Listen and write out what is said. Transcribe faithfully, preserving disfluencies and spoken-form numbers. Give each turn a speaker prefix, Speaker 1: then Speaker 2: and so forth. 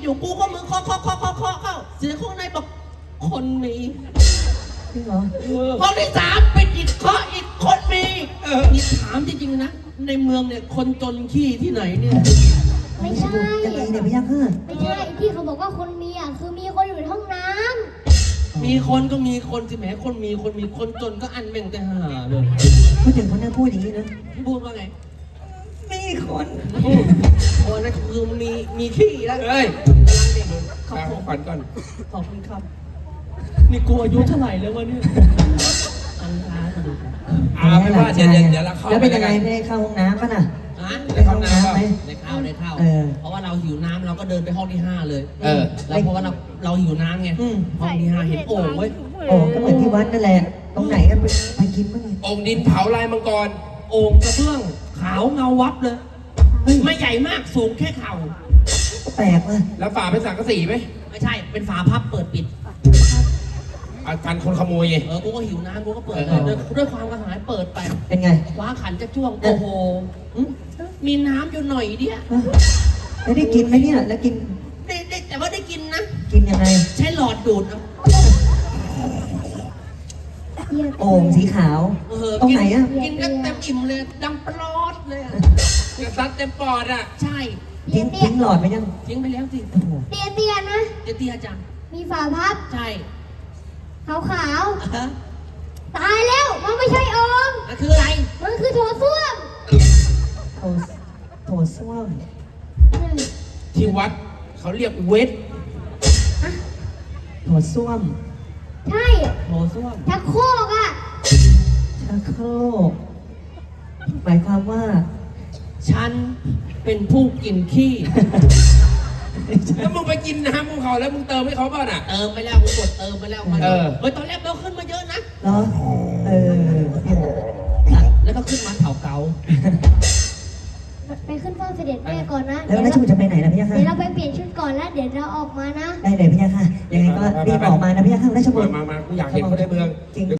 Speaker 1: อยู่กูก็มือเคาะเคาะเคาะเคาะเคาะเข้าเสียงข้างในบอกคนมี
Speaker 2: จริงเหรอ
Speaker 1: ห้องที่สามเป็นอีกเคาะอีกคนมีเออนี่ถามจริงๆนะในเมืองเนี่ยคนจนขี้ที่ไหนเนี่ย
Speaker 3: ไม่ใช่
Speaker 2: ยังไงเนี่ยพี่ยักษ์
Speaker 3: ไม่ใช่ที่เขาบอกว่าคนมีอ่ะคือมีคนอยู่ในห้องน้
Speaker 1: ำมีคนก็มีคนสิแหมคนมีคนมีคนจนก็อันแม่งแต่หาเลย
Speaker 2: พูดถึงเขาหน้าพูดอย่างนี้นะ
Speaker 1: พูดว่าไง
Speaker 2: มีคน
Speaker 1: โอ้นั่นคือมีมีขี้แล้วเฮ้ยกำลังเด็กขอบคุณก่อนขอบคุณครับนี่กูอายุเท่าไหร่แล้ววะเนี่ยอันท้าดู
Speaker 2: อ่าไม่ว่าเดี๋ยวเดี๋ยวเราเข้าแล้วเป็นยังไงได้เข้าห้องน้ำป่ะน่ะ
Speaker 1: ได้เข้าน้ำไหมได้เข้าได้เข้าเพราะว่าเราหิวน้ำเราก็เดินไปห้องที่ห้าเลยเออแล้วเพราะว่าเราเราหิวน้ำไงห้องที่ห้าเห็นโอ่งเว้ย
Speaker 2: โอ่งก็เหมือนที่วัดนั่นแหละตรงไหนกันไปกินบ้าง
Speaker 4: โอ่งดินเผาลายมังกร
Speaker 1: โอ่งกระเบื้องขาวเงาวับเลยไม่ใหญ่มากสูงแค่เข่า
Speaker 2: แปลกว่ะ
Speaker 4: แล้วฝาเป็นสังกะสีไหม
Speaker 1: ไม่ใช่เป็นฝาพับเปิดปิด
Speaker 4: การคนขโมยไง
Speaker 1: เออกูก็หิวน้ำกูก็เปิดเลยด้วยความกระหายเปิดไป
Speaker 2: เป็นไง
Speaker 1: ว้าขันจะจ้วงโอ้โหมีน้ำอยู่หน่อยเดียว
Speaker 2: แล้วได้กินไหมเนี่ยแล้วกิน
Speaker 1: ได้ได้แต่ว่าได้กินนะ
Speaker 2: กินยังไง
Speaker 1: ใช้หลอดดูด
Speaker 2: โอ่งสีขาวตรงไหนอ่ะ
Speaker 1: กินกันเต็มอิ่มเลยดังปลอดเลย
Speaker 4: กระซัดเต็มปอดอ่ะ
Speaker 1: ใช่
Speaker 2: ทิ้งทิ้งหลอดไปยัง
Speaker 1: ทิ้งไปแล้วสิ
Speaker 3: เตี้ยเตี้ยนะ
Speaker 1: เตี้ยเตี้ยจัง
Speaker 3: มีฝาพับ
Speaker 1: ใช่
Speaker 3: ขาวขาวตายแล้วมันไม่ใช่โอ่ง
Speaker 1: มันคืออะไร
Speaker 3: มันคือโถส้วม
Speaker 2: โถโถส้วม
Speaker 4: ที่วัดเขาเรียกเวท
Speaker 2: โถส้วม
Speaker 3: ใช่
Speaker 1: โถส้วม
Speaker 3: ชักโครกอ่ะ
Speaker 2: ชักโครกหมายความว่า
Speaker 1: ฉันเป็นผู้กินขี้
Speaker 4: แล้วมึงไปกินน้ำมึงเขาแล้วมึงเติมให้เขาบ้างอ่ะ
Speaker 1: เติมไปแล้วกูกดเติมไปแล้วมันเออเฮ้ยตอนแรกเราขึ้นมาเยอะนะ
Speaker 2: เหรอเออ
Speaker 1: แล้วก็ขึ้นมาเถาเกา
Speaker 3: ไปขึ้นเฝ้าเสด็จแม่ก่อนนะ
Speaker 2: แล้วราชบุตรจะไปไหนล่ะพี่ยักษ์
Speaker 3: เดี๋ยวเราไปเปลี่ยนชุดก่อนแล้วเดี๋ยวเราออกมานะ
Speaker 2: ได้เลยพี่ยักษ์ยังไงก็รีบออกมานะพี่ยักษ์ราชบุตร
Speaker 4: มามากูอยากเห็นคนในเมือง